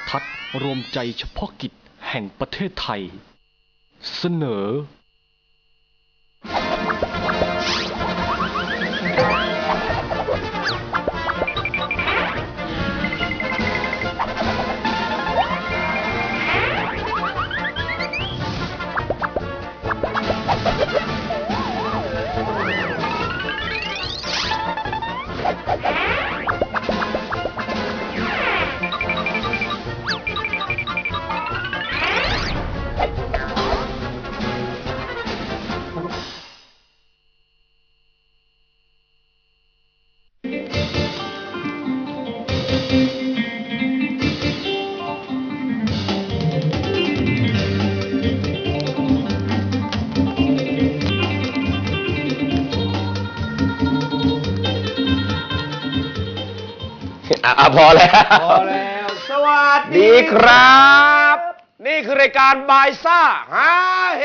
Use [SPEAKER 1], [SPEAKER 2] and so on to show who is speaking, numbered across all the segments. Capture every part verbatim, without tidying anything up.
[SPEAKER 1] ทัศน์รวมใจเฉพาะกิจแห่งประเทศไทยเสนอ
[SPEAKER 2] อ่ะพอแล้ว
[SPEAKER 3] พอแล้วสวัสดี
[SPEAKER 2] ดีครับนี่คือรายการบายซ่าฮาเฮ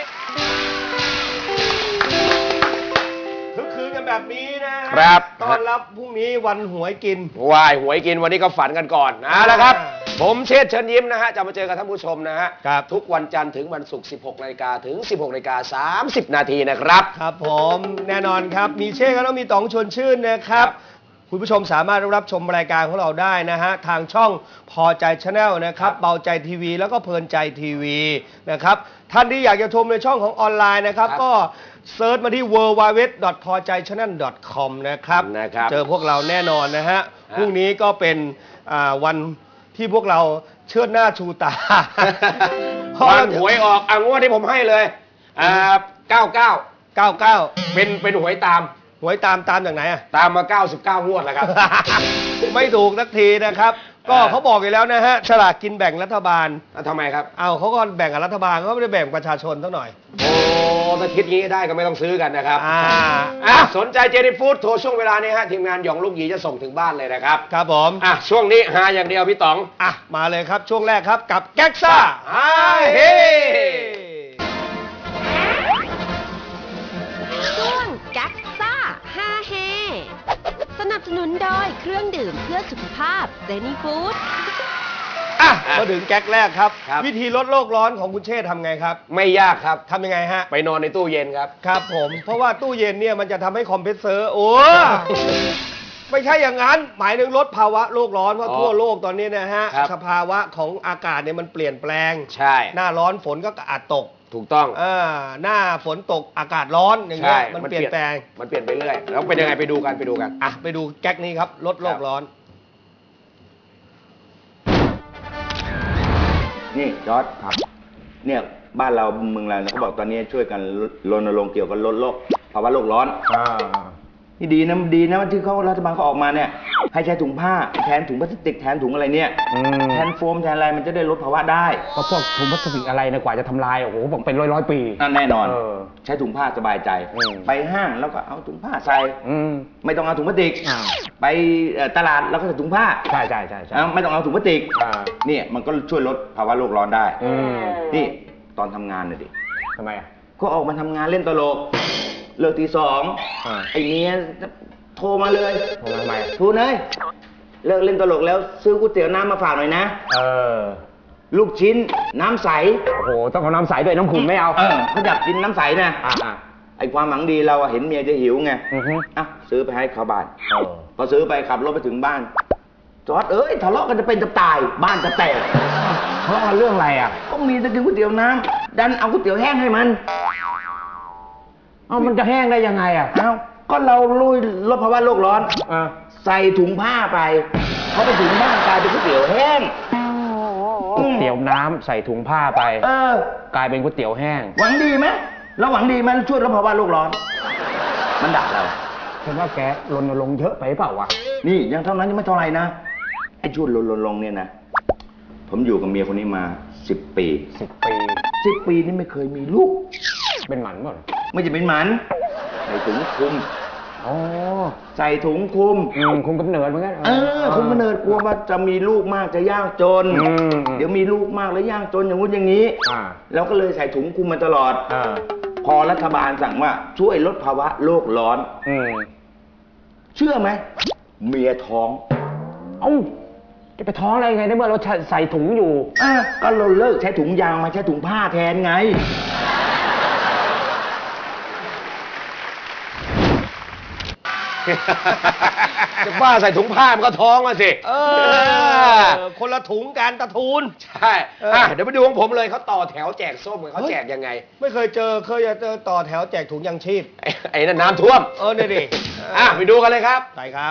[SPEAKER 3] คึกคืนกันแบบนี้นะครับต้อนรับพรุ่งนี้วันหวยกิน
[SPEAKER 2] วายหวยกินวันนี้ก็ฝันกันก่อนนะแล้วครับผมเชษฐ์เชิญยิ้มนะฮะจะมาเจอกับท่านผู้ชมนะฮะทุกวันจันทร์ถึงวันศุกร์สิบหกนาฬิกาถึงสิบหกนาฬิกาสามสิบนาทีนะครับ
[SPEAKER 3] ครับผมแน่นอนครับมีเชษฐ์ก็ต้องมีต๋องชวนชื่นนะครับคุณผู้ชมสามารถรับชมรายการของเราได้นะฮะทางช่องพอใจชาแนลนะครับเบาใจทีวีแล้วก็เพลินใจทีวีนะครับท่านที่อยากจะชมในช่องของออนไลน์นะครับก็เซิร์ชมาที่ ดับเบิลยู ดับเบิลยู ดับเบิลยู ดอท พอใจชาแนล ดอท คอม นะครับเจอพวกเราแน่นอนนะฮะพรุ่งนี้ก็เป็นวันที่พวกเราเชิดหน้าชูตา
[SPEAKER 2] วันหวยออกอ่ะงวดที่ผมให้เลยอ่าเก้าเก้า
[SPEAKER 3] เก้าเก้า
[SPEAKER 2] เป็นเป็นหวยตาม
[SPEAKER 3] หวยตามตามจากไหนอ่ะ
[SPEAKER 2] ตามมาเก้าสิบเก้างวดแล้วครับ
[SPEAKER 3] ไม่ถูกสักทีนะครับก็เขาบอกอยู่แล้วนะฮะฉลากกินแบ่งรัฐบาล
[SPEAKER 2] ทำไมครับ
[SPEAKER 3] เอาเขาก็แบ่งกับรัฐบาลเขาไม่ได้แบ่งประชาชนเท่าหน่อย
[SPEAKER 2] โอ้ถ้าคิดงี้ได้ก็ไม่ต้องซื้อกันนะครับอ่าอ่ะสนใจเจนี่ฟู้ดโทรช่วงเวลานี้ฮะทีมงานหยองลูกหยีจะส่งถึงบ้านเลยนะครับ
[SPEAKER 3] ครับผม
[SPEAKER 2] อ่ะช่วงนี้หาอย่างเดียวพี่ต๋อง
[SPEAKER 3] อ่ะมาเลยครับช่วงแรกครับกับแก๊กซ่า
[SPEAKER 2] ฮาเฮ
[SPEAKER 4] ช่วงแก๊กซ่าฮาเฮสนับสนุนโดยเครื่องดื่มเพื่อสุขภาพเจนี่ฟู้ด
[SPEAKER 3] อ่ะมาถึงแก๊กแรกครับวิธีลดโลกร้อนของคุณเชษฐ์ทำไงครับ
[SPEAKER 2] ไม่ยากครับ
[SPEAKER 3] ทำยังไงฮะ
[SPEAKER 2] ไปนอนในตู้เย็นครับ
[SPEAKER 3] ครับผมเพราะว่าตู้เย็นเนี่ยมันจะทำให้คอมเพรสเซอร์โอ้ไม่ใช่อย่างนั้นหมายถึงลดภาวะโลกร้อนเพราะทั่วโลกตอนนี้นะฮะสภาวะของอากาศเนี่ยมันเปลี่ยนแปลง
[SPEAKER 2] ใช่
[SPEAKER 3] หน้าร้อนฝนก็อาจตก
[SPEAKER 2] ถูกต้อง
[SPEAKER 3] อ่าหน้าฝนตกอากาศร้อนอย่างเงี้ยมันเปลี่ยนแปลง
[SPEAKER 2] มันเปลี่ยนไปเรื่อยแล้วเป็นยังไงไปดูกันไปดูกัน
[SPEAKER 3] อ่ะไปดูแก๊กนี้ครับลดโลกร้อน
[SPEAKER 5] นี่จอร์จครับเนี่ยบ้านเราเมืองเราเขาบอกตอนนี้ช่วยกันรณรงค์เกี่ยวกับลดโลกภาวะโลกร้อนนี่ดีนะดีนะที่เขารัฐบาลเขาออกมาเนี่ยให้ใช้ถุงผ้าแทนถุงพลาสติกแทนถุงอะไรเนี่ยแทนโฟมแทนอะไรมันจะได้ลดภาวะได้
[SPEAKER 6] ก็พวกถุงพลาสติกอะไรนะกว่าจะทำลายโอ้โหบอกเป็นร้อยร้อยปี
[SPEAKER 5] นั่นแน่นอนใช้ถุงผ้าสบายใจไปห้างแล้วก็เอาถุงผ้าใส่ไม่ต้องเอาถุงพลาสติกไปตลาดแล้วก็ใส่ถุงผ้า
[SPEAKER 6] ใช่ใช่ใช่
[SPEAKER 5] ไม่ต้องเอาถุงพลาสติกเนี่ยมันก็ช่วยลดภาวะโลกร้อนได้นี่ตอนทำงานน่ะดิ
[SPEAKER 6] ทำไมอ่ะ
[SPEAKER 5] ก็ออกมาทำงานเล่นตลกเลิกตีสองไอ้เนี้ยโทรมาเลย
[SPEAKER 6] โทรมาทำไม
[SPEAKER 5] โทรเลยเลิกเล่นตลกแล้วซื้อก๋วยเตี๋ยวน้ำมาฝากหน่อยนะ
[SPEAKER 6] เออ
[SPEAKER 5] ลูกชิ้นน้ำใส
[SPEAKER 6] โอ้โหต้องเอาน้ำใสด้วยน้ำขุ่นไม่เอา
[SPEAKER 5] เออเขาอยากกินน้ำใสนะอ่าไอ้ความหวังดีเราเห็นเมียจะหิวไงอ่ะซื้อไปให้เขาบ้านพอซื้อไปขับรถไปถึงบ้านจอดเอ้ยทะเลาะกันจะเป็นจะตายบ้านจะแตก
[SPEAKER 6] ทะเลาะกันเรื่องอะไรอ่ะ
[SPEAKER 5] ก็มีจะกินก๋วยเตี๋ยวน้ำดันเอาก๋วยเตี๋ยวแห้งให้มัน
[SPEAKER 6] เอามันจะแห้งได้ยังไงอ่ะ
[SPEAKER 5] เอ้าก็เราลุยลดภาวะโลกร้อนใส่ถุงผ้าไปเขาไปถุงผ้ากลายเป็นก๋วยเตี๋ยวแห้ง
[SPEAKER 6] ก๋วยเตี๋ยวน้ำใส่ถุงผ้าไป
[SPEAKER 5] เอ
[SPEAKER 6] อกลายเป็นก๋วยเตี๋ยวแห้ง
[SPEAKER 5] หวังดีไหมเราหวังดีมันช่วยลดภาวะโลกร้อนมันด่าเรา
[SPEAKER 6] ฉันว่าแกรณรงค์เยอะไปเปล่าวะ
[SPEAKER 5] นี่ยังเท่านั้นยังไม่เท่าไหร่นะไอ้ช่วยรณรงค์เนี่ยนะผมอยู่กับเมียคนนี้มาสิบปี
[SPEAKER 6] สิบปี
[SPEAKER 5] สิบปีนี่ไม่เคยมีลูก
[SPEAKER 6] เป็นหมันหมด
[SPEAKER 5] ไม่จะเป็นหมันใส่ถุงคลุม
[SPEAKER 6] อ๋อ
[SPEAKER 5] ใส่ถุงคลุม
[SPEAKER 6] คุมกำเนิดเหมือนกัน
[SPEAKER 5] เออคุมกำเนิดกลัวว่าจะมีลูกมากจะยากจนเดี๋ยวมีลูกมากแล้วยากจนอย่างงู้นอย่างนี้เราก็เลยใส่ถุงคลุมมาตลอดพอรัฐบาลสั่งว่าช่วยลดภาวะโลกร้อน
[SPEAKER 6] อื
[SPEAKER 5] เชื่อไหมเมียท้อง
[SPEAKER 6] เอ้าจะไปท้องอะไรไงในเมื่อเราใส่ถุงอยู่
[SPEAKER 5] เออก็เราเลิกใช้ถุงยางมาใช้ถุงผ้าแทนไง
[SPEAKER 2] จะบ้าใส่ถุงผ้ามันก็ท้องมาสิ
[SPEAKER 3] เออ คนละถุงการตะทูน
[SPEAKER 2] ใช่อ่ะเดี๋ยวไปดูของผมเลยเขาต่อแถวแจกส้มกันเขาแจกยังไง
[SPEAKER 3] ไม่เคยเจอเคยเจอต่อแถวแจกถุงยังชีพ
[SPEAKER 2] ไอ้ไอ้นั่นน้ำท่วม
[SPEAKER 3] เออเนี่ยดิ
[SPEAKER 2] อ่ะไปดูกันเลยครับ
[SPEAKER 3] ใช่ครับ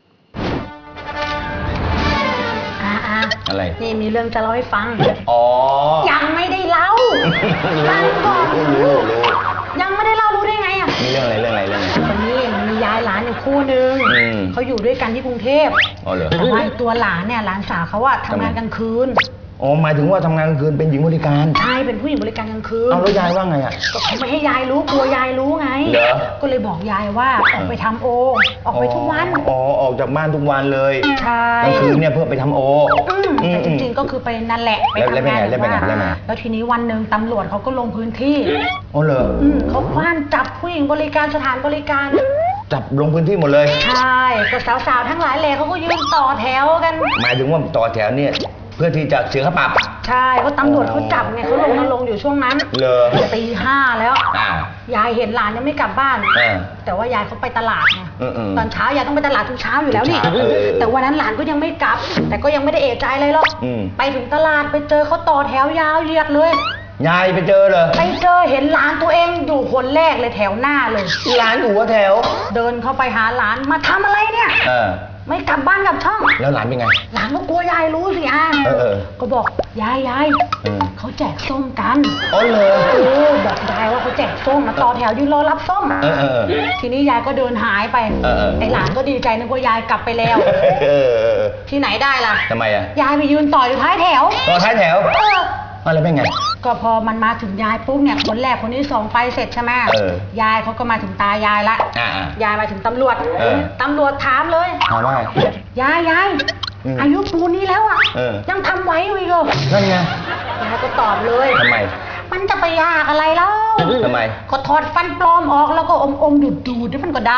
[SPEAKER 7] อ่าอ่า
[SPEAKER 5] อะไร
[SPEAKER 7] นี่มีเรื่องจะเล่าให้ฟัง
[SPEAKER 5] อ๋อ
[SPEAKER 7] ยังไม่ได้เล่าฟังก่อน
[SPEAKER 5] รู้รู้รู้
[SPEAKER 7] ยังไม่ได้เล่ารู้ได้ไงอ่ะ
[SPEAKER 5] มีเรื่องอะไรเรื่องอะไรเรื่องอะไร
[SPEAKER 7] วันนี้มียายหลานอยู่คู่หนึ่ง
[SPEAKER 5] อืม
[SPEAKER 7] เขาอยู่ด้วยกันที่กรุงเทพ
[SPEAKER 5] อ๋อเหรอ
[SPEAKER 7] แต่ว่าไอ้ตัวหลานเนี่ยหลานสาวเขาอะทำงานกลางคืน
[SPEAKER 5] อ๋อหมายถึงว่าทำงานกลางคืนเป็นหญิงบริการ
[SPEAKER 7] ใช่เป็นผู้หญิงบริการกลางคืน
[SPEAKER 5] เอาแล้วยายว่าไงอ่ะ
[SPEAKER 7] ก็เขาไม่ให้ยายรู้กลัวยายรู้ไง
[SPEAKER 5] เหรอ
[SPEAKER 7] ก็เลยบอกยายว่าออกไปทำโอ ออกไปทุกวัน
[SPEAKER 5] อ๋อออกจากบ้านทุกวันเลย
[SPEAKER 7] ใช่
[SPEAKER 5] กลางคืนเนี่ยเพื่อไปทำโอ
[SPEAKER 7] อืมแต่จริงๆก็คือไปนั่นแหละไป
[SPEAKER 5] แล้ว
[SPEAKER 7] ทำงาน
[SPEAKER 5] แล้วเป็นไงแล้วเป็นไงแล้วเป็นไง
[SPEAKER 7] แล้วทีนี้วันหนึ่งตำรวจเขาก็ลงพื้นที่
[SPEAKER 5] อ๋อเหรอ
[SPEAKER 7] อืมเขาคว้านจับผู้หญิงบริการสถานบริการ
[SPEAKER 5] จับลงพื้นที่หมดเลย
[SPEAKER 7] ใช่ก็สาวๆทั้งหลายแหล่เขาก็ยืนต่อแถวกัน
[SPEAKER 5] หมายถึงว่าต่อแถวเนี่ยเพื่อที่จะเสียค่าปรับ
[SPEAKER 7] ใช่เพราะตำรวจเขาจับไงเขาลงมาลงค์อยู่ช่วงนั้น
[SPEAKER 5] เหรอ
[SPEAKER 7] ตีห้าแล้ว
[SPEAKER 5] อ่าย
[SPEAKER 7] ายเห็นหลานยังไม่กลับบ้าน
[SPEAKER 5] อ่า
[SPEAKER 7] แต่ว่ายายเขาไปตลาดไง
[SPEAKER 5] อืมๆ
[SPEAKER 7] ตอนเช้ายายต้องไปตลาดทุกเช้าอยู่แล้วนี่
[SPEAKER 5] ทุกเช้าเออ
[SPEAKER 7] แต่วันนั้นหลานก็ยังไม่กลับ แต่ก็ยังไม่ได้เอะใจอะไรหรอก
[SPEAKER 5] อืม
[SPEAKER 7] ไปถึงตลาดไปเจอเขาต่อแถวยาวเหยียดเลย
[SPEAKER 5] ยายไปเจอเหรอ
[SPEAKER 7] ไปเจอเห็นหลานตัวเองอยู่คนแรกเลยแถวหน้าเลย
[SPEAKER 5] ร้านอยู่หัวแถว
[SPEAKER 7] เดินเข้าไปหาหลานมาทำอะไรเนี่ย
[SPEAKER 5] เออ
[SPEAKER 7] ไม่กลับบ้านกลับช่อง
[SPEAKER 5] แล้วหลานเป็นไง
[SPEAKER 7] หลานก็กลัวยายรู้สิอ่ะ
[SPEAKER 5] เออเออ
[SPEAKER 7] ก็บอกยายยาย
[SPEAKER 5] เออ
[SPEAKER 7] เขาแจกส้มกัน
[SPEAKER 5] อ๋อเหรอ
[SPEAKER 7] เออบอกยายว่าเขาแจกส้มมาต่อแถวยืนรอรับส้ม
[SPEAKER 5] เออเออเออ
[SPEAKER 7] ทีนี้ยายก็เดินหายไป
[SPEAKER 5] เออเออ
[SPEAKER 7] ไอหลานก็ดีใจนึกว่ายายกลับไปแล้ว
[SPEAKER 5] เออเออ
[SPEAKER 7] ที่ไหนได้ล่ะ
[SPEAKER 5] ทำไมอ่ะ
[SPEAKER 7] ยายไปยืนต่ออยู่ท้ายแถว
[SPEAKER 5] ต่อท้ายแถว
[SPEAKER 7] เออ
[SPEAKER 5] อ๋อแล้วเป็นไง
[SPEAKER 7] ก็พอมันมาถึงยายปุ๊บเนี่ยคนแรกคนที่สองไปเสร็จใช่ไหม
[SPEAKER 5] เออ
[SPEAKER 7] ยายเขาก็มาถึงตายายละ
[SPEAKER 5] อ่าอ่าย
[SPEAKER 7] ายมาถึงตำรวจ
[SPEAKER 5] เออ
[SPEAKER 7] ตำรวจถามเลย
[SPEAKER 5] ถามว่าไง
[SPEAKER 7] ยายยาย
[SPEAKER 5] อืม
[SPEAKER 7] อายุปูนนี้แล้วอ่ะ
[SPEAKER 5] เออ
[SPEAKER 7] ยังทำไหวอยู่อีกเหรอ
[SPEAKER 5] นั่นไง
[SPEAKER 7] ยายก็ตอบเลย
[SPEAKER 5] ทำไม
[SPEAKER 7] มันจะไปยากอะไรแล้ว
[SPEAKER 5] ทำไม
[SPEAKER 7] ก็ถอดฟันปลอมออกแล้วก็อมอมดูดดูดมันก็ได้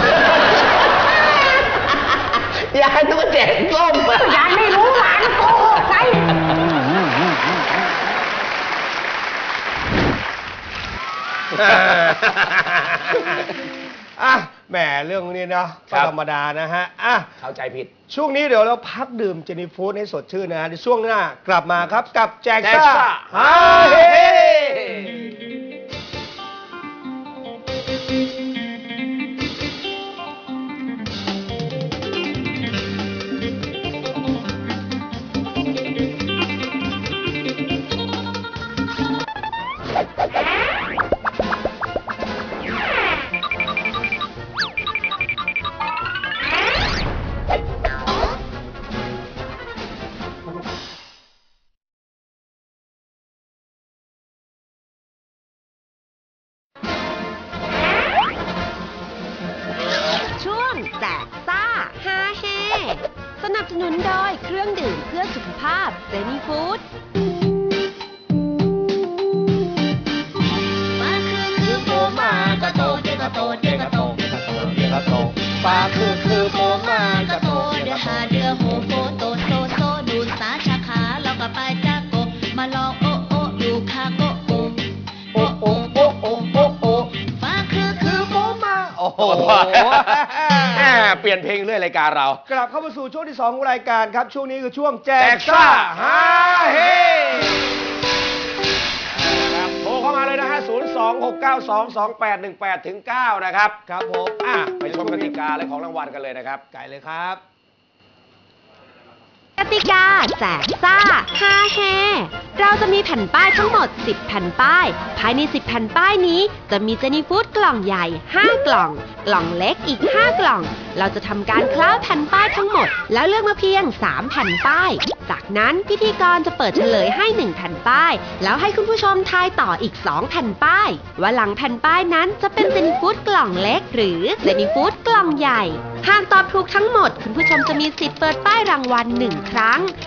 [SPEAKER 5] ยายต้องแจกส้มอ่ะ
[SPEAKER 7] ยายไม่รู้หลานโกหกไง
[SPEAKER 3] อ่ะแหมเรื่องนี้นะ
[SPEAKER 2] ครั
[SPEAKER 3] ก็
[SPEAKER 2] บ
[SPEAKER 3] ธรรมดานะฮะอ่ะ
[SPEAKER 2] เข้าใจผิด
[SPEAKER 3] ช่วงนี้เดี๋ยวเราพักดื่มเจนี่ฟู้ดให้สดชื่นนะฮะในช่วงหน้ากลับมาครับกับแจก
[SPEAKER 2] แจก
[SPEAKER 3] ซ่า
[SPEAKER 2] ซ่า
[SPEAKER 3] ฮาเฮ
[SPEAKER 4] ช่วงแจกซ่าฮาเฮสนับสนุนโดยเครื่องดื่มเพื่อสุขภาพเซนีฟู้ด
[SPEAKER 8] มาคือคือโปมากระโตเจกระโตเจกระโตเจกระโตเจกระโตปลาคือคือโปมากระโตเดือหาเดือโหโฟโตโซโซดูสาชาขาแล้วก็ไปจากโกมาลองโอโออยู่คาโกโอโอโอโอโอโอโอปลาคือคือโปมา
[SPEAKER 3] โอ้โห
[SPEAKER 2] แหมเปลี่ยนเพลงเรื่อยรายการเรา
[SPEAKER 3] กลับเข้ามาสู่ช่วงที่สองของรายการครับ ช่วงนี้คือช่วงแจ
[SPEAKER 2] แจ
[SPEAKER 3] ก
[SPEAKER 2] ก
[SPEAKER 3] ซ่า
[SPEAKER 2] ซ่า
[SPEAKER 3] ฮา
[SPEAKER 2] ฮา
[SPEAKER 3] เฮ
[SPEAKER 2] เฮครับโทรเข้ามาเลยนะฮะ ศูนย์ สอง หก เก้า สอง สอง แปด หนึ่ง แปด ถึง เก้า นะครับ
[SPEAKER 3] ครับผม
[SPEAKER 2] อ่ะไปชมกติกาและของรางวัลกันเลยนะครับ
[SPEAKER 3] ไก่เลยครับ
[SPEAKER 4] กติกาแจกซ่าฮาเฮเราจะมีแผ่นป้ายทั้งหมดสิบแผ่นป้าย ภายในสิบแผ่นป้ายนี้จะมีเจนี่ฟู้ดกล่องใหญ่ห้ากล่อง กล่องเล็กอีกห้ากล่อง เราจะทำการคล้าแผ่นป้ายทั้งหมด แล้วเลือกมาเพียงสามแผ่นป้าย จากนั้นพิธีกรจะเปิดเฉลยให้หนึ่งแผ่นป้าย แล้วให้คุณผู้ชมทายต่ออีกสองแผ่นป้าย ว่าหลังแผ่นป้ายนั้นจะเป็นเจนี่ฟู้ดกล่องเล็ก หรือเจนี่ฟู้ดกล่องใหญ่ หากตอบถูกทั้งหมด คุณผู้ชมจะมีสิทธิ์เปิดป้ายรางวัลหนึ่งครั้ง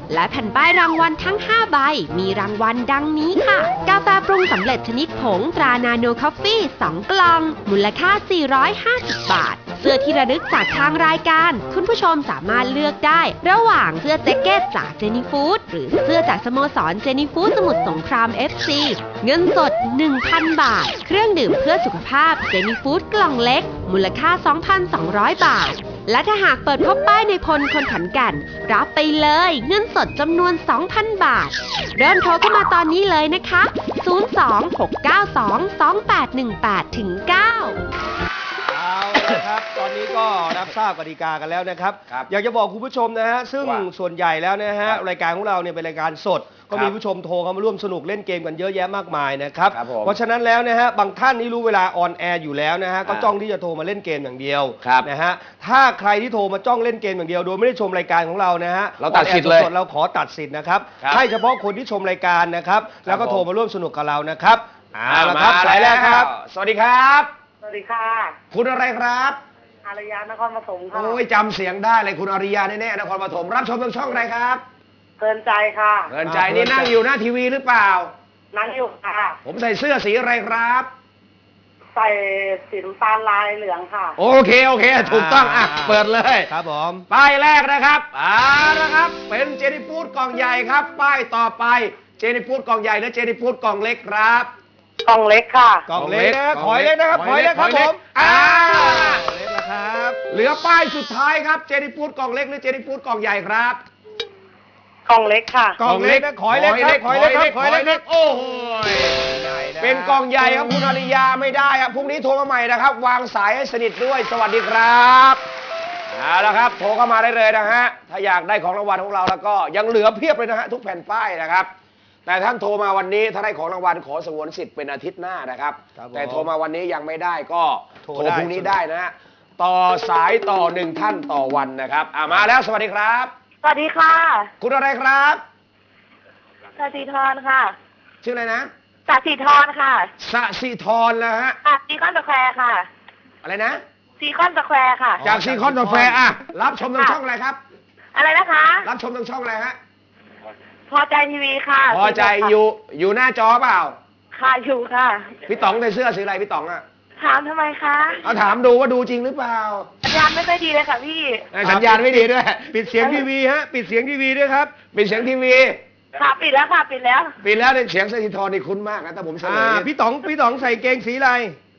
[SPEAKER 4] และแผ่นป้ายรางวัลทั้งห้าใบมีรางวัลดังนี้ค่ะ กาแฟปรุงสำเร็จชนิดผงตรานาโนคอฟฟี่สองกล่องมูลค่าสี่ร้อยห้าสิบบาทเสื้อที่ระลึกจากทางรายการคุณผู้ชมสามารถเลือกได้ระหว่างเสื้อแจ็คเก็ตจากเจนี่ฟู้ดหรือเสื้อจากสโมสรเจนี่ฟู้ดสมุทรสงคราม เอฟ ซี เงินสด หนึ่งพัน บาทเครื่องดื่มเพื่อสุขภาพเจนี่ฟู้ดกล่องเล็กมูลค่า สองพันสองร้อย บาทและถ้าหากเปิดพบป้ายในพลคนขอนแก่นรับไปเลยเงินสดจำนวน สองพัน บาทเริ่มโทรเข้ามาตอนนี้เลยนะคะ ศูนย์ สอง หก เก้า สอง สอง แปด หนึ่ง แปด เก้า
[SPEAKER 3] เอาละครับตอนนี้ก็รับทราบกติกากันแล้วนะครับ
[SPEAKER 2] ครับ
[SPEAKER 3] อยากจะบอกคุณผู้ชมนะฮะซึ่ง
[SPEAKER 2] ว่า
[SPEAKER 3] ส่วนใหญ่แล้วนะฮะ
[SPEAKER 2] ครับ
[SPEAKER 3] รายการของเราเนี่ยเป็นรายการสด ก็
[SPEAKER 2] ครับ
[SPEAKER 3] มีผู้ชมโทรเข้ามาร่วมสนุกเล่นเกมกันเยอะแยะมากมายนะครับ
[SPEAKER 2] ครับผม
[SPEAKER 3] เพราะฉะนั้นแล้วนะฮะบางท่านนี่รู้เวลาออนแอร์อยู่แล้วนะฮะก็
[SPEAKER 2] อ่า
[SPEAKER 3] จ้องที่จะโทรมาเล่นเกมอย่างเดียว
[SPEAKER 2] ครับ
[SPEAKER 3] นะฮะถ้าใครที่โทรมาจ้องเล่นเกมอย่างเดียวโดยไม่ได้ชมรายการของเรานะฮะ
[SPEAKER 2] เราตัดสิทธิ์เลย
[SPEAKER 3] ออนแอร์สดๆเราขอตัดสิทธิ์นะครับ
[SPEAKER 2] ครับ
[SPEAKER 3] ให้เฉพาะคนที่ชมรายการนะครับแล้วก็
[SPEAKER 2] ผม
[SPEAKER 3] โทรมาร่วมสนุกกับเรานะครับเอา
[SPEAKER 2] อ่า
[SPEAKER 3] ละครับ
[SPEAKER 2] มา
[SPEAKER 3] สายแรกครับ
[SPEAKER 2] สวัสดีครับ
[SPEAKER 9] สวัสดีค่ะ
[SPEAKER 2] คุณอะไรครับ
[SPEAKER 9] อารยานครปฐมค่ะ
[SPEAKER 2] โอ้ยจำเสียงได้เลยคุณอริยาแน่ๆนครปฐมรับชมทางช่องอะไรครับ
[SPEAKER 9] เพลินใจค่ะ
[SPEAKER 2] เงินใจนี่นั่งอยู่หน้าทีวีหรือเปล่า
[SPEAKER 9] นั่งอยู่ค่ะ
[SPEAKER 2] ผมใส่เสื้อสีอะไรครับ
[SPEAKER 9] ใส่สีน้ำตาลลายเหลืองค่ะ
[SPEAKER 2] โอเคโอเค ถูกต้องอ่ะเปิดเลย
[SPEAKER 3] ครับผม
[SPEAKER 2] ป้ายแรกนะครับอ่านะครับ เป็นเจนิฟูดกล่องใหญ่ครับ ป้ายต่อไปเจนิฟูดกล่องใหญ่และเจนิฟูดกล่องเล็กครับ
[SPEAKER 9] กล่องเล็กค่ะ
[SPEAKER 3] กล่องเล็กนะขอยเล็กนะครับขอยเล็กครับผม
[SPEAKER 2] อ่า
[SPEAKER 3] เล็กนะครับ
[SPEAKER 2] เหลือป้ายสุดท้ายครับเจนิฟูดกล่องเล็กหรือเจนิฟูดกล่องใหญ่ครับ
[SPEAKER 9] กล่องเล็กค่ะ
[SPEAKER 3] กล่องเล็กนะขอยเล็กครับขอยเล็กครับขอยเล็กครับ
[SPEAKER 2] โอ้โหเป็นกล่องใหญ่ครับคุณอริยาไม่ได้ครับพรุ่งนี้โทรมาใหม่นะครับ วางสายให้สนิทด้วยสวัสดีครับเอาละครับโทรเข้ามาได้เลยนะฮะถ้าอยากได้ของรางวัลของเราแล้วก็ยังเหลือเพียบเลยนะฮะทุกแผ่นป้ายนะครับ แต่ท่านโทรมาวันนี้ถ้าได้ของรางวัลขอสงวนสิทธิ์เป็นอาทิตย์หน้านะครับ
[SPEAKER 3] ครับผม
[SPEAKER 2] แต่โทรมาวันนี้ยังไม่ได้ก็
[SPEAKER 3] โทร
[SPEAKER 2] โทร
[SPEAKER 3] ได้
[SPEAKER 2] พรุ่งนี้ได้นะฮะต่อสายต่อหนึ่งท่านต่อวันนะครับอ่ามาแล้วสวัสดีครับ
[SPEAKER 9] สวัสดีค่ะ
[SPEAKER 2] คุณอะไรครับ
[SPEAKER 9] สาธิธรค่ะ
[SPEAKER 2] ชื่ออะไรนะ
[SPEAKER 9] สาธิธรค่ะ
[SPEAKER 2] สสิธรนะฮะ
[SPEAKER 9] อ่ะซีคอนสแควร์ค่ะ
[SPEAKER 2] อะไรนะ
[SPEAKER 9] ซีคอนสแควร์ค่ะ
[SPEAKER 2] จากซีคอนสแควร์อ่ะรับชมทางช่องอะไรครับ
[SPEAKER 9] อะไรนะคะ
[SPEAKER 2] รับชมทางช่องอะไรฮะ
[SPEAKER 9] พอใจทีวีค่ะ
[SPEAKER 2] พอใจอยู่อยู่หน้าจอเปล่า
[SPEAKER 9] ค่ะอยู่ค่ะ
[SPEAKER 2] พี่ต๋องใส่เสื้อสีอะไรพี่ต๋องอ่ะ
[SPEAKER 9] ถามทำไมคะ
[SPEAKER 2] เอาถามดูว่าดูจริงหรือเปล่า
[SPEAKER 9] สัญญาณไม่ค่อยดีเลยค่ะพี่
[SPEAKER 2] เอ้ยสัญญาณไม่ดีด้วย
[SPEAKER 3] ปิดเสียงทีวีฮะปิดเสียงทีวีด้วยครับ
[SPEAKER 2] ปิดเสียงทีวี
[SPEAKER 9] ค่ะปิดแล้วค่ะปิดแล้ว
[SPEAKER 2] ปิดแล้วเนี่ยเสียงสถิธรนี่คุ้นมากนะแต่ผมเฉล
[SPEAKER 3] อ่าย พี่ต๋องพี่ต๋องใส่เกงสีอะไร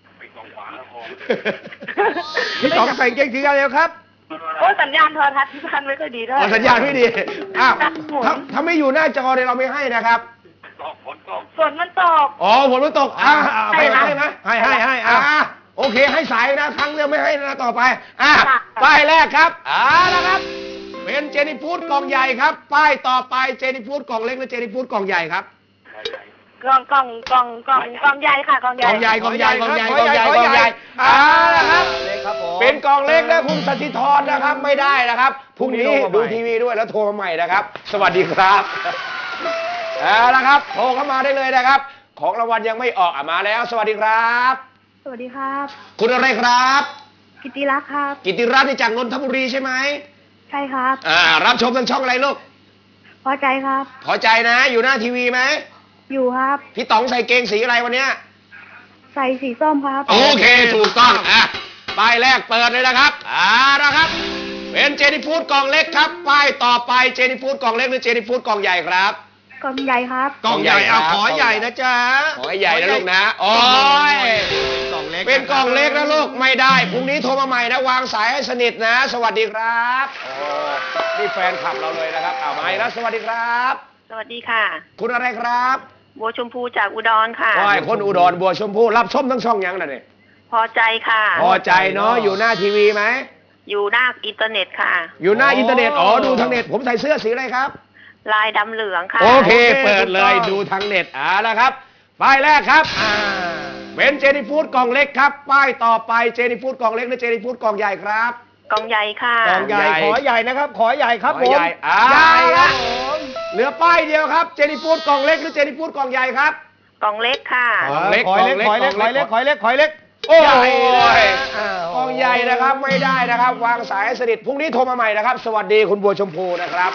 [SPEAKER 3] พี่ต๋องใส่เกงสีอะไรแล้วครับ
[SPEAKER 9] โอ้สัญญาณโทรทัศน์ที่บ้านไม่ค่อยดีด้วย
[SPEAKER 2] อ๋อสัญญาณไม่ดีอ้าวถ้าถ้าไม่อยู่หน้าจอเนี่ยเราไม่ให้นะครับ
[SPEAKER 9] ฝนมันตก
[SPEAKER 2] อ๋อฝนมันตกอ่า
[SPEAKER 3] อ่า
[SPEAKER 2] ให้ไหม
[SPEAKER 3] ให้
[SPEAKER 2] ให้ไหม
[SPEAKER 3] ให้ให้ให้
[SPEAKER 2] อ่า
[SPEAKER 3] อ่า
[SPEAKER 2] โอเคให้สายนะครั้งเดียวไม่ให้นะต่อไปอ่า
[SPEAKER 9] ค่ะ
[SPEAKER 2] ป้ายแรกครับอ่านะครับ เป็นเจนิฟูดกล่องใหญ่ครับ ป้ายต่อไปเจนิฟูดกล่องเล็กหรือเจนิฟูดกล่องใหญ่ครับ
[SPEAKER 9] กล่องกล่องกล่องกล่องกล่องใหญ่ค่ะกล่องให
[SPEAKER 2] ก
[SPEAKER 9] ญ่
[SPEAKER 2] ล่องใหญ่กล่องใหญ่กล่องใหญ่
[SPEAKER 3] ข
[SPEAKER 2] ก
[SPEAKER 3] อ
[SPEAKER 2] ล่อง
[SPEAKER 3] ให
[SPEAKER 2] ให
[SPEAKER 3] ญ่
[SPEAKER 2] ญ่
[SPEAKER 3] ข
[SPEAKER 2] ก
[SPEAKER 3] อ
[SPEAKER 2] ล่อง
[SPEAKER 3] ให
[SPEAKER 2] ให
[SPEAKER 3] ญ่
[SPEAKER 2] ญ่อ่านะครับ
[SPEAKER 3] เล็กครับผม
[SPEAKER 2] เป็นกล่องเล็กนะคุณสถิธรนะครับไม่ได้นะครับพรุ่งนี้
[SPEAKER 3] พรุ่งนี้โทรมาใหม่
[SPEAKER 2] ดูทีวีด้วยแล้วโทรมาใหม่นะครับ สวัสดีครับเอาละครับโทรเข้ามาได้เลยนะครับ ของรางวัลยังไม่ออกอ่ะมาแล้ว สวัสดีครับ
[SPEAKER 9] สวัสดีครับ
[SPEAKER 2] คุณอะไรครับ
[SPEAKER 9] กิติรักษ์ครับ
[SPEAKER 2] กิติรัตน์นี่จากนนทบุรีใช่ไหม
[SPEAKER 9] ใช่ครับ
[SPEAKER 2] อ่ารับชมทางช่องอะไรลูก
[SPEAKER 9] พอใจครับ
[SPEAKER 2] พอใจนะ อยู่หน้าทีวีไหม
[SPEAKER 9] อยู่ครับ
[SPEAKER 2] พี่ต๋องใส่เกงสีอะไรวันเนี้ย
[SPEAKER 9] ใส่สีส้มครับ
[SPEAKER 2] โอเคถูกต้องอ่ะป้ายแรกเปิดเลยนะครับอ่านะครับ เป็นเจนิฟูดกล่องเล็กครับ ป้ายต่อไปเจนิฟูดกล่องเล็กหรือเจนิฟูดกล่องใหญ่ครับ
[SPEAKER 9] กล่องใหญ่ครับ
[SPEAKER 3] กล่องใหญ่เอาขอใหญ่นะจ๊ะ
[SPEAKER 2] ขอให้ใหญ่นะลูกนะโอ้ย
[SPEAKER 3] กล่องเล็ก
[SPEAKER 2] เป็นกล่องเล็กนะลูกไม่ได้พรุ่งนี้โทรมาใหม่นะวางสายให้สนิทนะ สวัสดีครับโอ้นี่แฟนคลับเราเลยนะครับเอามาอีกแล้วสวัสดีครับ
[SPEAKER 9] สวัสดีค่ะ
[SPEAKER 2] คุณอะไรครับ
[SPEAKER 9] บัวชมพูจากอุดรค่ะ
[SPEAKER 2] โอ้ยคนอุดรบัวชมพู่รับชมทั้งช่องยังน่ะเนี่ย
[SPEAKER 9] พอใจค่ะ
[SPEAKER 2] พอใจเนาะอยู่หน้าทีวีไหม
[SPEAKER 9] อยู่หน้าอินเทอร์เน็ตค่ะ
[SPEAKER 2] อยู่หน้าอินเทอร์เน็ตอ๋อดูทางเน็ตผมใส่เสื้อสีอะไรครับ
[SPEAKER 9] ลายดำเหลืองค่ะ
[SPEAKER 2] โอเค เปิดเลยดูทางเน็ตอ่าแล้วครับป้ายแรกครับอ่าเป็นเจนิฟูดกล่องเล็กครับ ป้ายต่อไปเจนิฟูดกล่องเล็กหรือเจนิฟูดกล่องใหญ่ครับ
[SPEAKER 9] กล่องใหญ่ค่ะ
[SPEAKER 3] กล่องใหญ่
[SPEAKER 2] ใหญ่
[SPEAKER 3] ขอใหญ่นะครับ ขอใหญ่ครับ
[SPEAKER 2] ข
[SPEAKER 3] ผ
[SPEAKER 2] อ
[SPEAKER 3] ม
[SPEAKER 2] ใหญ่อ่า
[SPEAKER 3] ใหญ่ครับผม
[SPEAKER 2] เหลือป้ายเดียวครับเจนิฟูดกล่องเล็กหรือเจนิฟูดกล่องใหญ่ครับ
[SPEAKER 9] กล่องเล็กค่ะ
[SPEAKER 2] กล่องเล็ก
[SPEAKER 3] ขอเล็กขอเล็กขอเล็กขอเล็กขอเล็ก
[SPEAKER 2] โอ้
[SPEAKER 3] ใหญ่
[SPEAKER 2] ย
[SPEAKER 3] เลยอ้าว
[SPEAKER 2] กล่องใหญ่นะครับไม่ได้นะครับ วางสายให้สนิทพรุ่งนี้โทรมาใหม่นะครับ สวัสดีคุณบัวชมพูนะครับ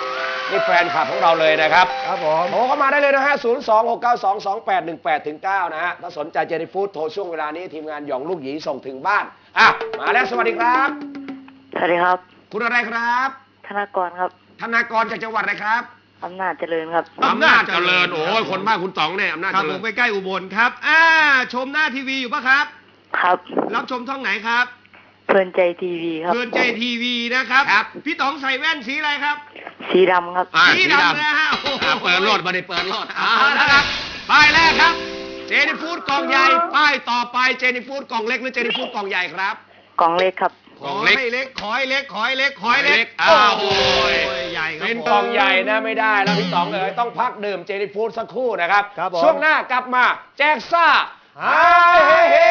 [SPEAKER 2] นี่แฟนคลับของเราเลยนะครับ
[SPEAKER 3] ครับผม
[SPEAKER 2] โทรเข้ามาได้เลยนะฮะ ศูนย์ สอง หก เก้า สอง สอง แปด หนึ่ง แปด ถึง เก้า นะฮะ ถ้าสนใจเจนี่ฟู้ดโทรช่วงเวลานี้ทีมงานหยองลูกหยีส่งถึงบ้าน อ่ะ มาแล้วสวัสดีครับ
[SPEAKER 9] สวัสดีครับ
[SPEAKER 2] คุณอะไรครับ
[SPEAKER 9] ธนากรครับ
[SPEAKER 2] ธนากรจากจังหวัดอะไรครับ
[SPEAKER 9] อำนาจเจริญครับ
[SPEAKER 2] อำนาจเจริญ โอ้ยคนบ้านคุณต๋องเนี่ยอำนาจ
[SPEAKER 3] ครับ
[SPEAKER 2] เจ
[SPEAKER 3] ผ
[SPEAKER 2] ริ
[SPEAKER 3] ม
[SPEAKER 2] ญ
[SPEAKER 3] ไปใกล้อุบลครับ อ่า ชมหน้าทีวีอยู่ปะครับ
[SPEAKER 9] ครับ
[SPEAKER 3] รับชมช่องไหนครับ
[SPEAKER 9] เพลินใจทีวีครับ
[SPEAKER 3] เพื่อนใจทีวีนะครับ พี่ต๋องใส่แว่นสีอะไรครับ
[SPEAKER 9] สีดำครับ
[SPEAKER 2] อ่า
[SPEAKER 3] สีดำนะฮะโอ้โห
[SPEAKER 2] อ่าเปิดรถมาได้เปิดรถเอาละครับ ป้ายแรกครับ เจนี่ฟู้ดกล่องใหญ่ ป้ายต่อไปเจนี่ฟู้ดกล่องเล็กหรือเจนี่ฟู้ดกล่องใหญ่ครับ
[SPEAKER 9] กล่องเล็กครับ
[SPEAKER 3] ขอให้เล็ก ขอให้เล็ก ขอให้เล็ก ขอให้เล็ก
[SPEAKER 2] อ้าวโอ้ย
[SPEAKER 3] ใหญ่ครับ
[SPEAKER 2] เป็น
[SPEAKER 3] ผม
[SPEAKER 2] กล่องใหญ่นะไม่ได้แล้วพี่ต๋องเอ๋ยต้องพักดื่มเจนี่ฟู้ดสักครู่นะครับ
[SPEAKER 3] ครับผม
[SPEAKER 2] ช่วงหน้ากลับมาแจกซ่า
[SPEAKER 3] ฮ่า
[SPEAKER 2] เฮ้เฮ้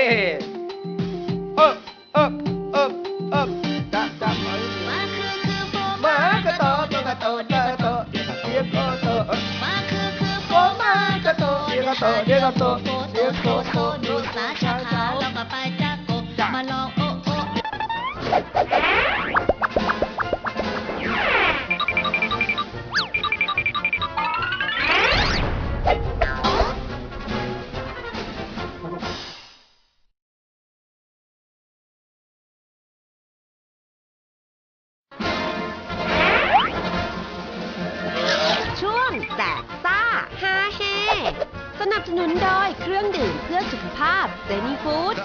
[SPEAKER 3] เออเออเออเออจับจับมา
[SPEAKER 8] มาคือคือโฟ
[SPEAKER 3] มากระโตตกระโตเดียกระโตเดียกระโต
[SPEAKER 8] มาคือคือโฟมากระโตเดียกระโตเดียกระโตโฟโตโฟโตดูสาชาขาแล้วก็ไปจักโกมาลองโอ้โอ้
[SPEAKER 4] ช่วงแจกซ่าฮาเฮสนับสนุนโดยเครื่องดื่มเพื่อสุขภาพเจนี่ฟู้ด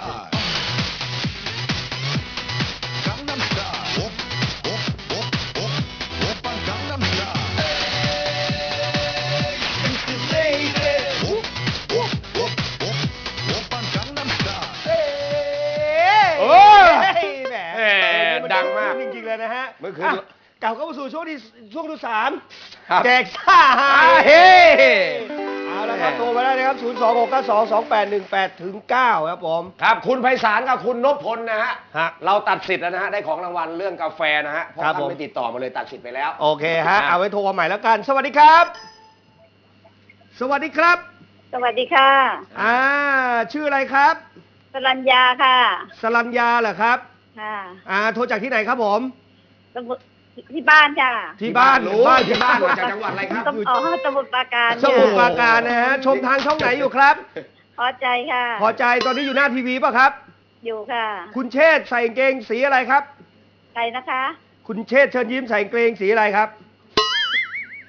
[SPEAKER 2] โอ้ย
[SPEAKER 3] แหม
[SPEAKER 2] แหมดังมาก
[SPEAKER 3] จริงๆเลยนะฮะ
[SPEAKER 2] เมื่อคืน
[SPEAKER 3] ะกลับเข้ามาสู่ช่วงที่ช่วงที่สาม
[SPEAKER 2] ครับ
[SPEAKER 3] แจกซ่าฮา
[SPEAKER 2] ฮา
[SPEAKER 3] เฮ
[SPEAKER 2] เฮ
[SPEAKER 3] เอาละครับโทรมาได้นะครับ ศูนย์ สอง หก เก้า สอง สอง แปด หนึ่ง แปด ถึง เก้า ครับผม
[SPEAKER 2] ครับคุณไพศาลกับคุณนพพลนะฮะ
[SPEAKER 3] ฮะ
[SPEAKER 2] เราตัดสิทธิ์แล้วนะฮะได้ของรางวัลเรื่องกาแฟนะฮะเพราะ
[SPEAKER 3] ครับ
[SPEAKER 2] ท่า
[SPEAKER 3] ผม
[SPEAKER 2] นไม่ติดต่อมาเลยตัดสิทธิ์ไปแล้ว
[SPEAKER 3] โอเคฮะ
[SPEAKER 2] อ่ะ
[SPEAKER 3] เอาไว้โทรมาใหม่แล้วกัน สวัสดีครับ สวัสดีครับ
[SPEAKER 9] สวัสดีค่ะ
[SPEAKER 3] อ่า ชื่ออะไรครับ
[SPEAKER 9] สรัญญาค่ะ
[SPEAKER 3] สรัญญาเหรอครับ
[SPEAKER 9] ค่ะ
[SPEAKER 3] อ่า โทรจากที่ไหนครับผม
[SPEAKER 9] สมุทรที่บ้านจ้ะ
[SPEAKER 3] ที่บ้าน
[SPEAKER 2] รู้
[SPEAKER 3] บ้าน
[SPEAKER 2] ที่บ้านมาจากจังหวัดอะไรครับ
[SPEAKER 9] สมุทรอ๋อสมุทรปราการ
[SPEAKER 3] สมุทรปราการนะฮะ ชมทางช่องไหนอยู่ครับ
[SPEAKER 9] พอใจค่ะ
[SPEAKER 3] พอใจตอนนี้อยู่หน้าทีวีป่ะครับ
[SPEAKER 9] อยู่ค่ะ
[SPEAKER 3] คุณเชษฐ์ใส่กางเกงสีอะไรครับ
[SPEAKER 9] ใครนะคะ
[SPEAKER 3] คุณเชษฐ์เชิญยิ้มใส่กางเกงสีอะไรครับ
[SPEAKER 9] สี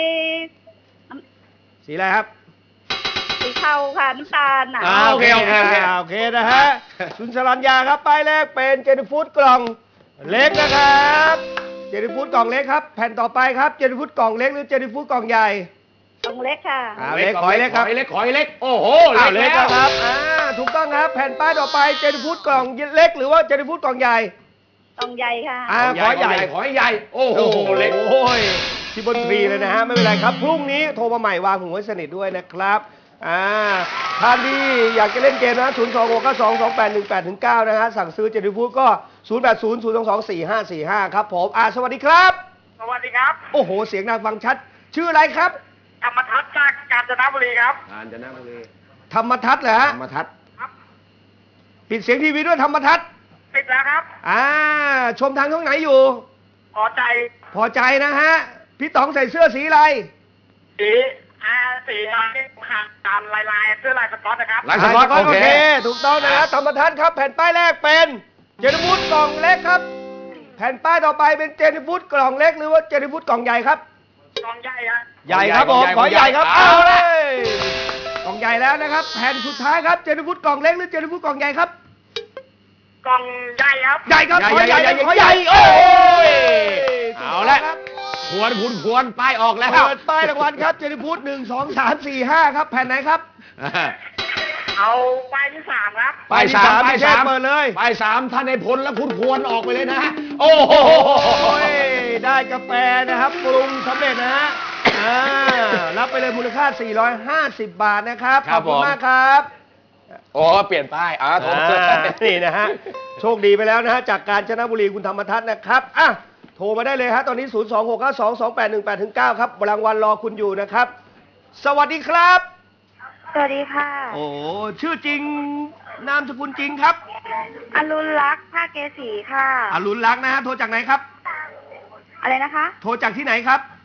[SPEAKER 3] สีอะไรครับ
[SPEAKER 9] สีเทาค่ะน้ำตาลน่ะ
[SPEAKER 2] อ่าโอเคโอเคโอเค
[SPEAKER 3] าโอเคนะฮะ คุณสรัญญาครับ ป้ายแรกเป็นเจนฟูดกล่องเล็กนะครับ เจนฟูดกล่องเล็กครับ แผ่นต่อไปครับ เจนฟูดกล่องเล็กหรือเจนฟูดกล่องใหญ่
[SPEAKER 9] กล่องเล็กค่ะ
[SPEAKER 3] อ่าเล็กขอให้เล็กครับ
[SPEAKER 2] ขอให้เล็กขอให้เล็กโอ้โห
[SPEAKER 3] อ้าว
[SPEAKER 2] เล็
[SPEAKER 3] เล็
[SPEAKER 2] ก
[SPEAKER 3] ก
[SPEAKER 2] แล้ว
[SPEAKER 3] นะครับ อ่า ถูกต้องครับ แผ่นป้ายต่อไป เจนฟูดกล่องเล็กหรือว่าเจนฟูดกล่องใหญ่
[SPEAKER 9] กล่องใหญ่ค่ะ
[SPEAKER 3] อ่า
[SPEAKER 2] ขอใหญ่ขอให้ใหญ่โอ้โห
[SPEAKER 3] โอ้โห
[SPEAKER 2] เล็ก
[SPEAKER 3] โอ้ยที่บนทรีเลยนะฮะ ไม่เป็นไรครับ พรุ่งนี้โทรมาใหม่วางหูไว้สนิทด้วยนะครับ อ่า ท่านที่อยากจะเล่นเกมนะ ศูนย์ สอง หก เก้า สอง สอง แปด หนึ่ง แปด ถึง เก้า นะฮะ สั่งซื้อเจนิฟูดก็ ศูนย์ แปด ศูนย์ ศูนย์ สอง สอง สี่ ห้า สี่ ห้า ครับผม อ่า สวัสดีครับ
[SPEAKER 9] สวัสดีครับ
[SPEAKER 3] โอ้โห เสียงดังฟังชัด ชื่ออะไรครับ
[SPEAKER 9] ธรรมทัศน์จากกาญจนบุรีครับ
[SPEAKER 2] กาญจนบุรี
[SPEAKER 3] ธรรมทัศน์เหรอฮะ
[SPEAKER 2] ธรรมทัศน์
[SPEAKER 3] ปิดเสียงทีวีด้วยธรรมทัศน์
[SPEAKER 9] ปิดแล้วครับ
[SPEAKER 3] อ่า ชมทางช่องไหนอยู่
[SPEAKER 9] พอใจ
[SPEAKER 3] พอใจนะฮะ พี่ต๋องใส่เสื้อสีอะไร
[SPEAKER 9] สีอาสีอะไรขาดตามลายลายเสื้อลายสก๊อตนะครับ
[SPEAKER 2] ลายสก๊อต
[SPEAKER 3] โอ
[SPEAKER 2] โอ
[SPEAKER 3] เค
[SPEAKER 2] เค
[SPEAKER 3] ถูกต้องนะฮะธรรมทัศน์ครับ แผ่นป้ายแรกเป็นเจนิฟูดกล่องเล็กครับ แผ่นป้ายต่อไปเป็นเจนิฟูดกล่องเล็กหรือว่าเจนิฟูดกล่องใหญ่ครับ
[SPEAKER 9] กล่องใหญ่ครับ
[SPEAKER 3] ใหญ่ครับผม
[SPEAKER 2] ก
[SPEAKER 3] ข
[SPEAKER 2] ล่
[SPEAKER 3] อ
[SPEAKER 2] องใหญ่
[SPEAKER 3] ใหญ่ครับ
[SPEAKER 2] กล่
[SPEAKER 3] เอา
[SPEAKER 2] องใหญ่
[SPEAKER 3] เลยกล่องใหญ่แล้วนะครับ แผ่นสุดท้ายครับเจนิฟูดกล่องเล็กหรือเจนิฟูดกล่องใหญ่ครับ
[SPEAKER 9] กล่องใหญ่ครับ
[SPEAKER 3] ใหญ่ครับขอใหญ่
[SPEAKER 2] ใหญ่
[SPEAKER 3] ขอใหญ่
[SPEAKER 2] โอ้ย
[SPEAKER 3] ถูก
[SPEAKER 2] เอา
[SPEAKER 3] ต้ง
[SPEAKER 2] ละ
[SPEAKER 3] ครับ
[SPEAKER 2] ควรคุณควรป้ายออกแล้ว
[SPEAKER 3] เปิดป้ายรางวัลครับเจนิฟูดหนึ่งสองสามสี่ห้าครับ แผ่นไหนครับ
[SPEAKER 9] เอาป้ายที่สามครับ
[SPEAKER 2] ป้ายสาม
[SPEAKER 3] ป้า
[SPEAKER 2] ป้าย ย
[SPEAKER 3] ที่สา
[SPEAKER 2] สาม ม
[SPEAKER 3] เปิดเลย
[SPEAKER 2] ป้ายสามท่านในพลและคุณควรออกไปเลยนะฮะโอ้โห
[SPEAKER 3] โอ้ยได้กาแฟนะครับปรุงสำเร็จนะฮะอ่ารับไปเลยมูลค่า สี่ร้อยห้าสิบ บาทนะครับ
[SPEAKER 2] ครั
[SPEAKER 3] ขอ
[SPEAKER 2] บบ
[SPEAKER 3] คุณ
[SPEAKER 2] ผม
[SPEAKER 3] มากครับ
[SPEAKER 2] โอ้เปลี่ยนป้ายอ่าโทร
[SPEAKER 3] อ่านี่นะฮะโชคดีไปแล้วนะฮะจากกาญจนบุรีคุณธรรมทัศน์นะครับอ่ะโทรมาได้เลยฮะตอนนี้ ศูนย์ สอง หก เก้า สอง สอง แปด หนึ่ง แปด ถึง เก้า ครับรางวัลรอคุณอยู่นะครับ สวัสดีครับ
[SPEAKER 9] สวัสดีค่ะ
[SPEAKER 3] โอ้ชื่อจริงนามสกุลจริงครับ
[SPEAKER 9] อรุณลักษณ์ภาคเกษีค่ะ
[SPEAKER 3] อรุณรักษ์นะฮะโทรจากไหนครับ
[SPEAKER 9] อะไรนะคะ
[SPEAKER 3] โทรจากที่ไหนครับ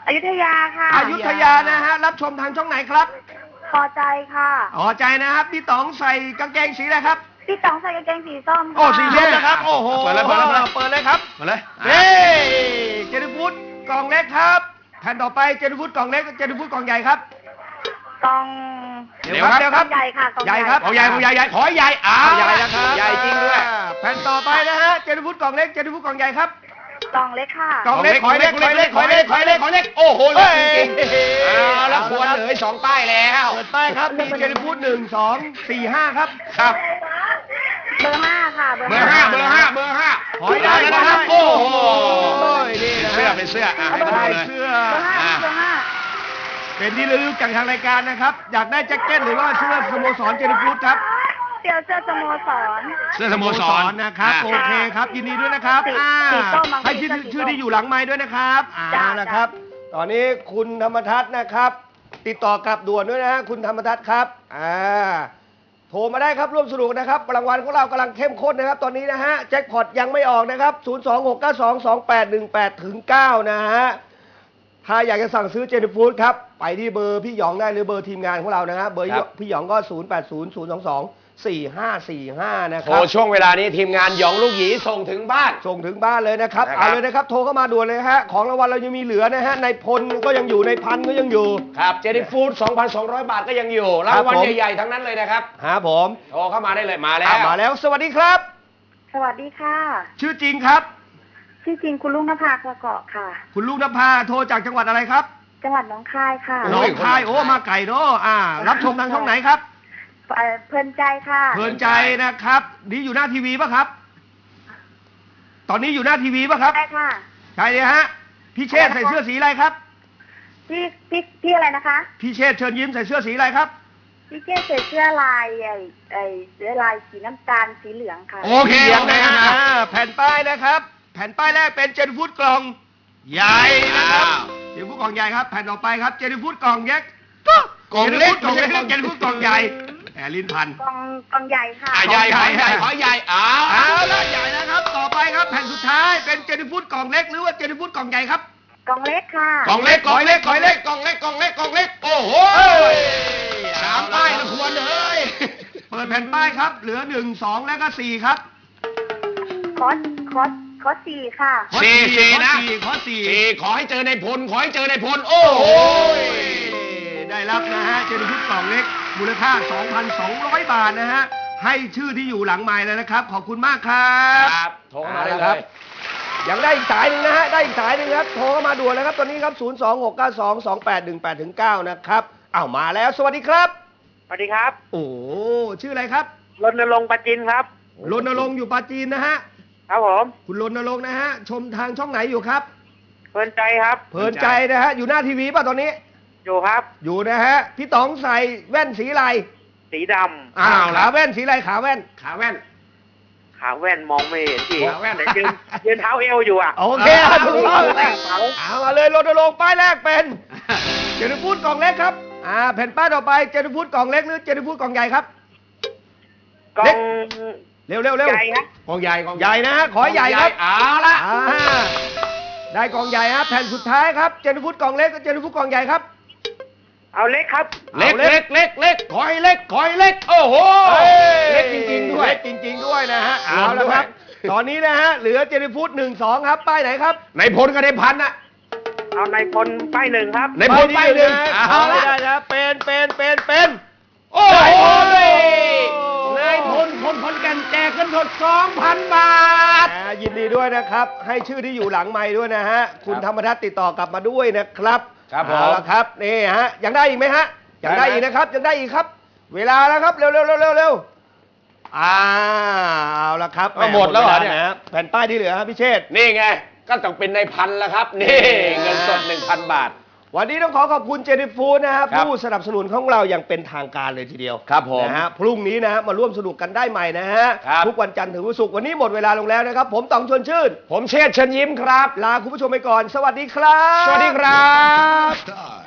[SPEAKER 10] อยุธยาค่ะ
[SPEAKER 3] อยุธยานะฮะรับชมทางช่องไหนครับ
[SPEAKER 10] พอใจค่ะ
[SPEAKER 3] พอใจนะครับพี่ต๋องใส่กางเกงสีอะไรครับ
[SPEAKER 10] พี่ต๋องใส่กางเกงสีส้มค่ะ
[SPEAKER 3] โอ้สีส้มนะครับโอ้โห
[SPEAKER 2] เปิดเลยเปิดเลย
[SPEAKER 3] เปิดเลยครับ
[SPEAKER 2] มาเลย
[SPEAKER 3] เฮ้เจนิฟูดกล่องเล็กครับแผ่นต่อไปเจนิฟูดกล่องเล็กเจนิฟูดกล่องใหญ่ครับ
[SPEAKER 10] กล่อง
[SPEAKER 3] เดี๋ยวครับเดี๋ยวครับ
[SPEAKER 10] ใหญ่ค่ะกล่อง
[SPEAKER 3] ใหญ่ครับ
[SPEAKER 2] ของใหญ่ของใหญ่ใหญ่ขอให้ใหญ่อ้า
[SPEAKER 3] ใหญ่นะครับ
[SPEAKER 2] ใหญ่จริงด้วย
[SPEAKER 3] แผ่นต่อไปนะฮะเจนิฟูดกล่องเล็กเจนิฟูดกล่องใหญ่ครับ
[SPEAKER 10] กล่องเล็กค่ะ
[SPEAKER 3] กล่องเล็กขอยเล็กขอยเล็กขอยเล็กขอยเล็ก
[SPEAKER 2] ขอเล็กโอ้โหเล็กจริง
[SPEAKER 3] เฮ้ย
[SPEAKER 2] ๆเอาแล้วควรเหลือสองป้ายแล้ว
[SPEAKER 3] เปิดป้ายครับมีเจนิฟูดหนึ่งสองสี่ห้าครับ
[SPEAKER 2] ครับ
[SPEAKER 10] เบอร์ห้าค่ะ
[SPEAKER 2] เบอร์ห้าเบอร์ห้าเบอร์ห้า
[SPEAKER 3] ขอให้ได้
[SPEAKER 2] แล้ว
[SPEAKER 3] นะ
[SPEAKER 2] นะ
[SPEAKER 3] ค
[SPEAKER 2] ค
[SPEAKER 3] รั
[SPEAKER 2] รั
[SPEAKER 3] บบ
[SPEAKER 2] โอ้โห
[SPEAKER 3] นี่นะ
[SPEAKER 2] เสื้อเป็นเสื้ออ่ะให้ดู
[SPEAKER 3] ได้
[SPEAKER 2] เลย
[SPEAKER 3] เสื้อ
[SPEAKER 10] เบอร์ห้าเบอร์ห้า
[SPEAKER 3] เป็นที่ระลึกจากทางรายการนะครับ อยากได้แจ็คเก็ตหรือว่าเสื้อสโมสรเจนิฟูดครับ
[SPEAKER 10] เดี๋ยวเสื้อสโมสร
[SPEAKER 2] เสื้อสโมสร
[SPEAKER 3] นะครับ
[SPEAKER 2] อ่ะ
[SPEAKER 3] โอเคครับ ยินดีด้วยนะครับ
[SPEAKER 10] สี
[SPEAKER 3] อ่า
[SPEAKER 10] สีส้มบางที
[SPEAKER 3] ให้ชื่อ
[SPEAKER 10] ก็สีส้ม
[SPEAKER 3] ชื่อที่อยู่หลังไม้ด้วยนะครับอ่า
[SPEAKER 10] จ้ะ
[SPEAKER 3] นะครับ ตอนนี้คุณธรรมทัศน์นะครับ ติดต่อกลับด่วนด้วยนะฮะคุณธรรมทัศน์ครับอ่าโทรมาได้ครับร่วมสนุกนะครับรางวัลของเรากำลังเข้มข้นนะครับ ตอนนี้นะฮะแจ็คพอตยังไม่ออกนะครับศูนย์สองหกเก้าสองสองแปดหนึ่งแปดถึงเก้านะฮะถ้าอยากจะสั่งซื้อเจนิฟูดครับไปที่เบอร์พี่หยองได้หรือเบอร์ทีมงานของเรานะฮะเบอร์
[SPEAKER 2] ครับ
[SPEAKER 3] พี่หยองก็ศูนย์แปดศูนย์ ศูนย์สองสอง สี่ห้าสี่ห้านะค
[SPEAKER 2] โทร
[SPEAKER 3] รับ
[SPEAKER 2] ช่วงเวลานี้ทีมงานหยองลูกหยีส่งถึงบ้าน
[SPEAKER 3] ส่งถึงบ้านเลยนะครับ
[SPEAKER 2] นะครับ
[SPEAKER 3] เอาเลยนะครับ โทรเข้ามาด่วนเลยฮะ ของรางวัลเรายังมีเหลือนะฮะ ในพลก็ยังอยู่ ในพันก็ยังอยู่
[SPEAKER 2] ครับเจนี่ฟู้ด สองพันสองร้อย บาทก็ยังอยู่ รางวัล
[SPEAKER 3] ผม
[SPEAKER 2] ใหญ่ๆทั้งนั้นเลยนะครับ
[SPEAKER 3] ฮะผม
[SPEAKER 2] โทรเข้ามาได้เลยมาแล้ว
[SPEAKER 3] อ่ะมาแล้ว สวัสดีครับ
[SPEAKER 10] สวัสดีค่ะ
[SPEAKER 3] ชื่อจริงครับ
[SPEAKER 10] ชื่อจริงคุณลุงนภากระเกาะค่ะ
[SPEAKER 3] คุณลูกนภาโทรจากจังหวัดอะไรครับ
[SPEAKER 10] จังหวัดหนองคายค่ะ
[SPEAKER 2] โอ้
[SPEAKER 3] หน้องคาย โอ้ มาไก่เนาะอ่า รับชมทางช่องไหนครับ
[SPEAKER 10] เอ่อเพลินใจค่ะ
[SPEAKER 3] เพลินใจนะครับ นี่อยู่หน้าทีวีป่ะครับ ตอนนี้อยู่หน้าทีวีป่ะครับ
[SPEAKER 10] ใช่ค่ะ
[SPEAKER 3] ใช่เลยฮะ พี่เชษฐ์ใส่เสื้อสีอะไรครับ
[SPEAKER 10] พี่พี่พี่อะไรนะคะ
[SPEAKER 3] พี่เชษฐ์เชิญยิ้มใส่เสื้อสีอะไรครับ
[SPEAKER 10] พี่เจ๊ใส่เสื้อลายไอ้ไอ้เสื้อลายสีน้ำตาลสีเหลืองค่ะ
[SPEAKER 2] โอเค
[SPEAKER 3] เสียง
[SPEAKER 2] โอเค
[SPEAKER 3] นะ
[SPEAKER 2] นะ
[SPEAKER 3] ฮะแผ่นป้ายนะครับ แผ่นป้ายแรกเป็นเจนฟูดกล่องใหญ่นะครับ
[SPEAKER 2] อ้าว
[SPEAKER 3] เจนฟูดกล่องใหญ่ครับ แผ่นต่อไปครับเจนฟูดกล่องเล็ก
[SPEAKER 2] กล่องเล็ก
[SPEAKER 3] เจนฟูดกล่องเล็กเจนฟูดกล่องใหญ่แหมลิ้นพัน
[SPEAKER 10] กองกองใหญ่ค่ะ
[SPEAKER 2] อ่ะใหญ่ขอใหญ่ขอใหญ่อ้า
[SPEAKER 3] เอา
[SPEAKER 2] ว
[SPEAKER 3] ละใหญ่นะครับ ต่อไปครับแผ่นสุดท้ายเป็นเจนฟูดกล่องเล็กหรือว่าเจนฟูดกล่องใหญ่ครับ
[SPEAKER 10] กองเล็กค่ะ
[SPEAKER 2] กล่องเล็กกล่องเล็กกล่องเล็กกล่องเล็กกล่องเล็กกล่องเล็กโอ้โหสามป้ายนะควรเลย
[SPEAKER 3] เปิดแผ่นป้ายครับ เหลือหนึ่งสองและก็สี่ครับ
[SPEAKER 10] คอสคอสคอสสี่ค่ะ
[SPEAKER 3] ข้อ
[SPEAKER 2] สี่สี่นะ
[SPEAKER 3] ข้อสี่
[SPEAKER 2] สี่ขอให้เจอในพล ขอให้เจอในพล โอ้โห
[SPEAKER 3] ได้รับนะฮะเจนิฟูดกล่องเล็ก มูลค่า สองพันสองร้อย บาทนะฮะ ให้ชื่อที่อยู่หลังไมค์เลยนะครับ ขอบคุณมากครับ
[SPEAKER 2] ครับโทรเข้ามาได้
[SPEAKER 3] อ
[SPEAKER 2] เล
[SPEAKER 3] ครับ
[SPEAKER 2] ย
[SPEAKER 3] ยังได้อีกสายหนึ่งนะฮะ ได้อีกสายหนึ่งครับ โทรเข้ามาด่วนเลยครับ ตอนนี้ครับ ศูนย์ สอง หก เก้า สอง สอง แปด หนึ่ง แปด ถึง เก้า นะครับอ้าวมาแล้ว สวัสดีครับ
[SPEAKER 9] สวัสดีครับ
[SPEAKER 3] โอ้ชื่ออะไรครับ
[SPEAKER 9] รณรงค์ประจินครับ
[SPEAKER 3] รณรงค์อยู่ปราจีนนะฮะ
[SPEAKER 9] ครับผม
[SPEAKER 3] คุณรณรงค์นะฮะ ชมทางช่องไหนอยู่ครับ
[SPEAKER 9] เพลินใจครับ
[SPEAKER 3] เพลินใจนะฮะ อยู่หน้าทีวีป่ะตอนนี้
[SPEAKER 9] อยู่ครับ
[SPEAKER 3] อยู่นะฮะ พี่ต๋องใส่แว่นสีอะไร
[SPEAKER 9] สีด
[SPEAKER 3] อ้าวขาแว่นสีอะไรขาแว่น
[SPEAKER 2] ขาแว่น
[SPEAKER 9] ำขาแว่นมองไม่เห็นพี่
[SPEAKER 2] ขาแว่น
[SPEAKER 9] แต่ยืนยืนเท้าเอวอยู่อ่ะ
[SPEAKER 3] โอเคครับถูกต้อง
[SPEAKER 9] แว่นเขา
[SPEAKER 3] เอามาเลยรณรงค์ป้ายแรกเป็นเจนิฟูดกล่องเล็กครับอ่าแผ่นป้ายต่อไปเจนิฟูดกล่องเล็กหรือเจนิฟูดกล่องใหญ่ครับ
[SPEAKER 9] กอง
[SPEAKER 3] เร็วเร็วเร็ว
[SPEAKER 9] ใหญ่ครับ
[SPEAKER 2] กองใหญ่กอง
[SPEAKER 3] ใหญ่นะฮะขอให้ใหญ่ครับ
[SPEAKER 2] เอาละ
[SPEAKER 3] อ่าได้กล่องใหญ่ฮะแผ่นสุดท้ายครับเจนิฟูดกล่องเล็กกับเจนิฟูดกล่องใหญ่ครับ
[SPEAKER 9] เอาเล็กครับ
[SPEAKER 2] เล็กเล็กเล็กเล็กขอให้เล็กขอให้เล็ก โอ้โห เล็กจริงๆด้วย
[SPEAKER 3] เล็กจริง ๆ ด้วยนะฮะ
[SPEAKER 2] รว
[SPEAKER 3] เอา
[SPEAKER 2] ม
[SPEAKER 3] ละ
[SPEAKER 2] ด้วย
[SPEAKER 3] ครับ ตอนนี้นะฮะเหลือเจนิฟูดหนึ่งสองครับป้ายไหนครับ
[SPEAKER 2] ในพลกับในพันน่ะ
[SPEAKER 9] เอาในพลป้ายหนึ่งครับ
[SPEAKER 2] ในพลป้ายหนึ่ง
[SPEAKER 3] เอา
[SPEAKER 2] เอา
[SPEAKER 3] ไม่
[SPEAKER 2] ละ
[SPEAKER 3] ได้นะเป็นเป็นเป็นเป็น
[SPEAKER 2] โอ้โห
[SPEAKER 3] ได้
[SPEAKER 2] นายพลพลพลกันแจกเงินสดสองพันบาท
[SPEAKER 3] อ่ายินดีด้วยนะครับ ให้ชื่อที่อยู่หลังไม้ด้วยนะฮะ คุณธรรมทัศน์ติดต่อกลับมาด้วยนะครับ
[SPEAKER 2] ครับผม
[SPEAKER 3] เอาละครับนี่ฮะยังได้อีกไหมฮะยังได้
[SPEAKER 2] ได้ไหม
[SPEAKER 3] อีกนะครับยังได้อีกครับ เวลาแล้วครับเร็วเร็วเร็วเร็วเร็วอ่าเอาละครับ
[SPEAKER 2] เอาหมดแล้วเหรอเนี่ย
[SPEAKER 3] มดะแผ่นป้ายที่เหลือครับพี่เชษฐ์
[SPEAKER 2] นี่ไง ก็ต้องเป็นในพันแล้วครับ นี่เงินสดหนึ่งพันบาท
[SPEAKER 3] วันนี้ต้องขอขอบคุณเจนิฟูดนะฮะ
[SPEAKER 2] ครับ
[SPEAKER 3] ผู้สนับสนุนของเราอย่างเป็นทางการเลยทีเดียว
[SPEAKER 2] ครับผม
[SPEAKER 3] นะฮะพรุ่งนี้นะฮะมาร่วมสนุกกันได้ใหม่นะฮะ
[SPEAKER 2] ครับ
[SPEAKER 3] ทุกวันจันทร์ถึงวันศุกร์วันนี้หมดเวลาลงแล้วนะครับ ผมต๋องชวนชื่น
[SPEAKER 2] ผมเชษฐ์เชิญยิ้มครับ
[SPEAKER 3] ลาคุณผู้ชมไปก่อน สวัสดีครับ
[SPEAKER 2] สวัสดีครับ